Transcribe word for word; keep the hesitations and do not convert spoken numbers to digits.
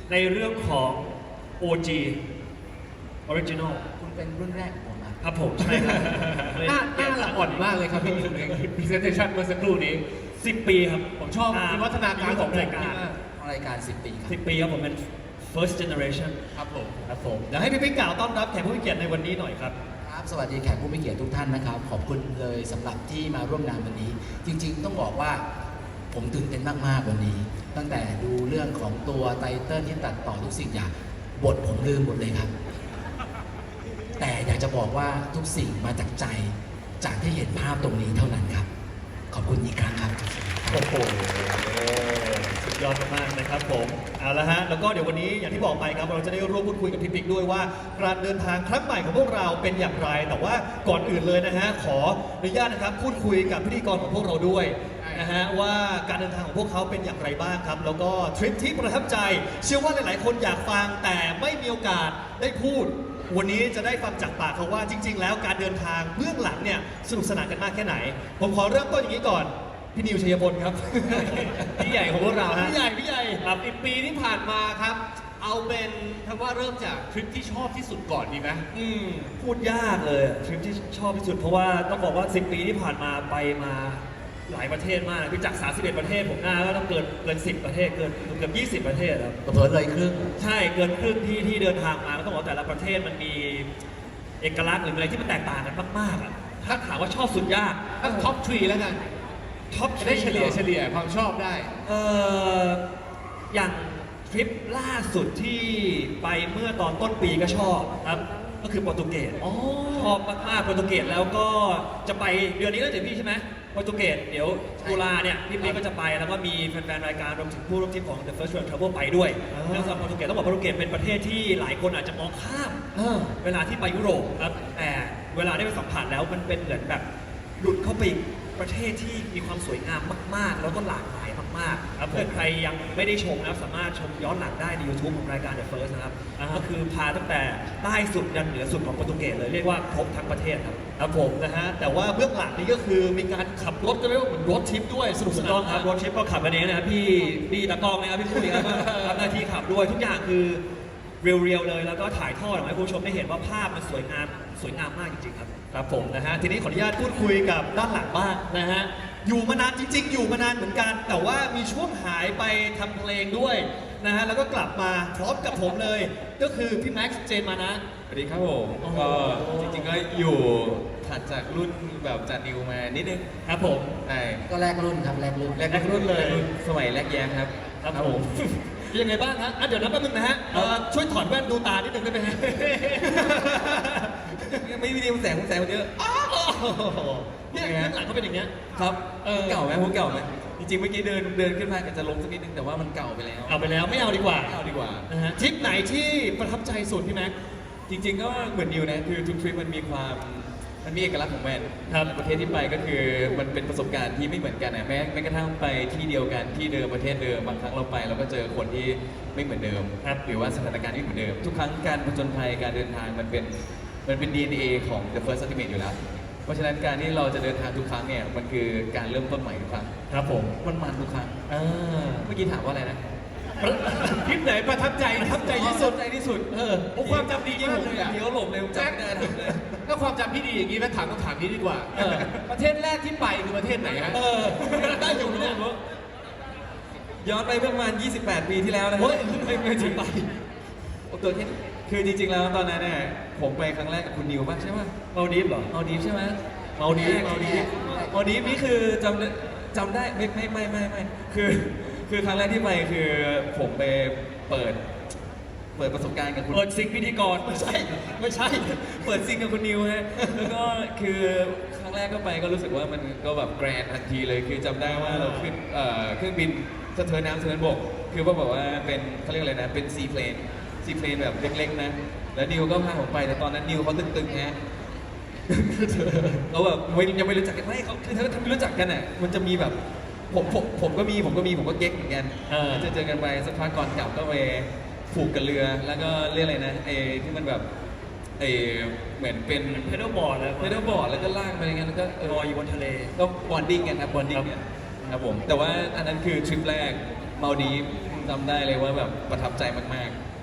ในเรื่องของ โอ จี Original คุณเป็นรุ่นแรกของผมนะครับผมใช่ครับหน้าหน้าละอ่อนมากเลยครับพี่นิวใน presentation เมื่อสักครู่นี้สิบปีครับผมชอบวิวัฒนาการของรายการรายการสิบปีครับสิบปีครับผมเป็น first generation ครับผมครับผมเดี๋ยวให้พี่ปิ๊กกล่าวต้อนรับแขกผู้มีเกียรติในวันนี้หน่อยครับครับสวัสดีแขกผู้มีเกียรติทุกท่านนะครับ ขอบคุณเลยสำหรับที่มาร่วมงานวันนี้ จริงๆ ต้องบอกว่าผมตื่นเต้นมากๆวันนี้ ตั้งแต่ดูเรื่องของตัวไตเติ้ลที่ตัดต่อทุกสิ่งอย่างบทผมลืมหมดเลยครับ แต่อยากจะบอกว่าทุกสิ่งมาจากใจจากที่เห็นภาพตรงนี้เท่านั้นครับ ขอบคุณอีกครั้งครับโอ้โหสุดยอดมากๆนะครับผมเอาละฮะแล้วก็เดี๋ยววันนี้อย่างที่บอกไปครับเราจะได้ร่วมพูดคุยกับพี่ปิ๊กด้วยว่าการเดินทางครั้งใหม่ของพวกเราเป็นอย่างไร แต่ว่าก่อนอื่นเลยนะฮะขออนุญาตนะครับพูดคุยกับพิธีกรของพวกเราด้วยนะฮะว่าการเดินทางของพวกเขาเป็นอย่างไรบ้างครับแล้วก็ทริปที่ประทับใจ เชื่อว่าหลายๆคนอยากฟังแต่ไม่มีโอกาสได้พูด วันนี้จะได้ฟังจากปากเขาว่าจริง ๆ แล้วการเดินทางเบื้องหลังเนี่ยสนุกสนานกันมากแค่ไหน ผมขอเริ่มต้นอย่างนี้ก่อน พี่นิวชัยพลครับพี่ใหญ่ของพวกเราฮะพี่ใหญ่พี่ใหญ่ครับอีกปีที่ผ่านมาครับ เอาเป็นคำว่าเริ่มจากทริปที่ชอบที่สุดก่อนดีไหมอืมพูดยากเลยอะทริปที่ชอบที่สุดเพราะว่าต้องบอกว่าสิบปีที่ผ่านมาไปมาหลายประเทศมากคือจากสามสิบเอ็ดประเทศผมน่าก็ต้องเกินเกินสิบประเทศเกินเกือบยี่สิบประเทศแล้วเผลอๆเลยครึ่งใช่เกินครึ่งที่ที่เดินทางมาก็ต้องบอกว่าแต่ละประเทศมันมีเอกลักษณ์หรืออะไรที่มันแตกต่างกันมากๆอะถ้าถามว่าชอบสุดยากถ้าท็อปทรีแล้วกันท็อปจะได้เฉลี่ยเฉลี่ยความชอบได้เอ่ออย่างทริปล่าสุดที่ไปเมื่อตอนต้นปีก็ชอบครับก็คือโปรตุเกสอ๋อชอบมากๆโปรตุเกสแล้วก็จะไปเดือนนี้แล้วเดี๋ยวพี่ใช่ไหมโปรตุเกสเดี๋ยวตุลาเนี่ยพี่ปิ๊กก็จะไปแล้วก็มีแฟนๆรายการรวมถึงผู้ร่วมทริปของ The First World Travel ไปด้วยอ่าแล้วสำหรับโปรตุเกสต้องบอกโปรตุเกสเป็นประเทศที่หลายคนอาจจะมองข้ามเออเวลาที่ไปยุโรปครับแต่เวลาได้ไปสัมผัสแล้วมันเป็นเหมือนแบบหลุดเข้าไปอีกประเทศที่มีความสวยงามมากๆ แล้วก็หลากหลายมากๆครับเพื่อใครยังไม่ได้ชมนะครับสามารถชมย้อนหลังได้ใน YouTube ของรายการ The First นะครับก็คือพาตั้งแต่ใต้สุดยันเหนือสุดของโปรตุเกสเลยเรียกว่าครบทั้งประเทศครับครับผมนะฮะแต่ว่าเบื้องหลังนี้ก็คือมีการขับรถก็เรียกว่าเหมือนรถทริปด้วยสนุกสนานครับรถทริปก็ขับกันเองนะครับพี่พี่ตากล้องนะครับพี่คุยครับก็ทำหน้าที่ขับด้วยทุกอย่างคือ เรียวๆเลยแล้วก็ถ่ายทอดออกมาให้คุณผู้ชมได้เห็นว่าภาพมันสวยงามสวยงามมากจริงๆครับครับผมนะฮะทีนี้ขออนุญาตพูดคุยกับด้านหลังบ้างนะฮะอยู่มานานจริง ๆ อยู่มานานเหมือนกัน แต่ว่ามีช่วงหายไปทำเพลงด้วยนะฮะแล้วก็กลับมาพร้อมกับผมเลย ก็คือพี่แม็กซ์เจนมานะสวัสดีครับผมโอ้โหก็จริงๆก็อยู่ถัดจากรุ่นแบบจานิวมานิดนึงครับผมใช่ก็แรกรุ่นครับแรกรุ่นแรกรุ่นเลยสมัยแรกแย้มครับครับผมเป็นยังไงบ้างฮะอ่ะเดี๋ยวนับแป๊บนึงนะฮะเอ่อช่วยถอดแว่นดูตานิดนึงได้ไหมฮะไม่มีดีมันแสงมันแสงมันเยอะเนี่ยเบื้องหลังเขาเป็นอย่างเงี้ยครับเออเก่าไหมผมเก่าไหมจริงๆเมื่อกี้เดินเดินขึ้นมาก็จะลงสักนิดนึงแต่ว่ามันเก่าไปแล้วเอาไปแล้วไม่เอาดีกว่าไม่เอาดีกว่านะฮะทริปไหนที่ประทับใจสุดพี่แม็กซ์จริงๆก็เหมือนนิวนะคือทุกทริปมันมีความมันมีเอกลักษณ์ของมันครับประเทศที่ไปก็คือมันเป็นประสบการณ์ที่ไม่เหมือนกันนะแม้แม้กระทั่งไปที่เดียวกันที่เดิมประเทศเดิมบางครั้งเราไปเราก็เจอคนที่ไม่เหมือนเดิมครับหรือว่าสถานการณ์ที่ไม่เหมือนเดิม ทุกครั้งการผจญภัยการเดินทางมันเป็นมันเป็น ดี เอ็น เอ ของ The First Ultimate อยู่แล้ว เพราะฉะนั้นการที่เราจะเดินทางทุกครั้งเนี่ยมันคือการเริ่มต้นใหม่ทุกครั้งครับผมมันมันทุกครั้งอ่าเมื่อกี้ถามว่าอะไรนะทริปไหนประทับใจประทับใจที่สุดใจที่สุดเออโอ้ความจำดีที่มาผกมเลยอะเดี๋ยวหลบเลยผมจำไม่ได้ทำเลยถ้าความจำพี่ดีอย่างนี้แม่ถามต้องถามนี้ดีกว่าเออประเทศแรกที่ไปคือประเทศไหนฮะเออได้อยู่เนี่ยย้อนไปประมาณ ยี่สิบแปด ปีที่แล้วนะเฮ้ยไม่ไม่ถึงไปโอ้ตัวแค่นี้คือจริงๆแล้วตอนนั้นเนี่ยผมไปครั้งแรกกับคุณนิวป่ะใช่ป่ะมาดีฟเหรอเอาดีฟใช่ไหมมาดีฟมาดีฟมาดีฟนี่คือจำได้จำได้ไม่ไม่ไม่ไม่ไม่คือคือครั้งแรกที่ไปคือผมไปเปิด เปิดประสบการณ์กับคุณเปิดซิงพิธีกรไม่ใช่ไม่ใช่เปิดซิงกับคุณนิวฮะ แล้วก็คือครั้งแรกก็ไปก็รู้สึกว่ามันก็แบบแกรนด์ทันทีเลย คือจำได้ว่าเราขึ้นเอ่อเครื่องบินสะเทินน้ำสะเทินบก คือว่าบอกว่าเป็นเขาเรียกอะไรนะ เป็นซีเพลนซีเพลนแบบเล็กๆนะ แล้วนิวก็พาผมไป แต่ตอนนั้นนิวเขาตึงๆฮะ เขาแบบไม่ยังไม่รู้จักกันไม่เขาคือถ้าถ้าไม่รู้จักกันอ่ะมันจะมีแบบผมผมผมก็มีผมก็มีผมก็เก๊กเหมือนกันเออจะเจอกันไปสักพักก่อนกลับก็ไปผูกกับเรือแล้วก็เรียกอะไรนะไอ้ที่มันแบบไอ้เหมือนเป็นเพดลบอร์ดแล้วเพดลบอร์ดแล้วก็ลากไปอย่างเงี้ยแล้วก็เออลอยอยู่บนทะเลก็บอนดิ้งกันครับบอนดิ้งเนี่ยครับผมแต่ว่าอันนั้นคือทริปแรกมาดีฟจำได้เลยว่าแบบประทับใจมาก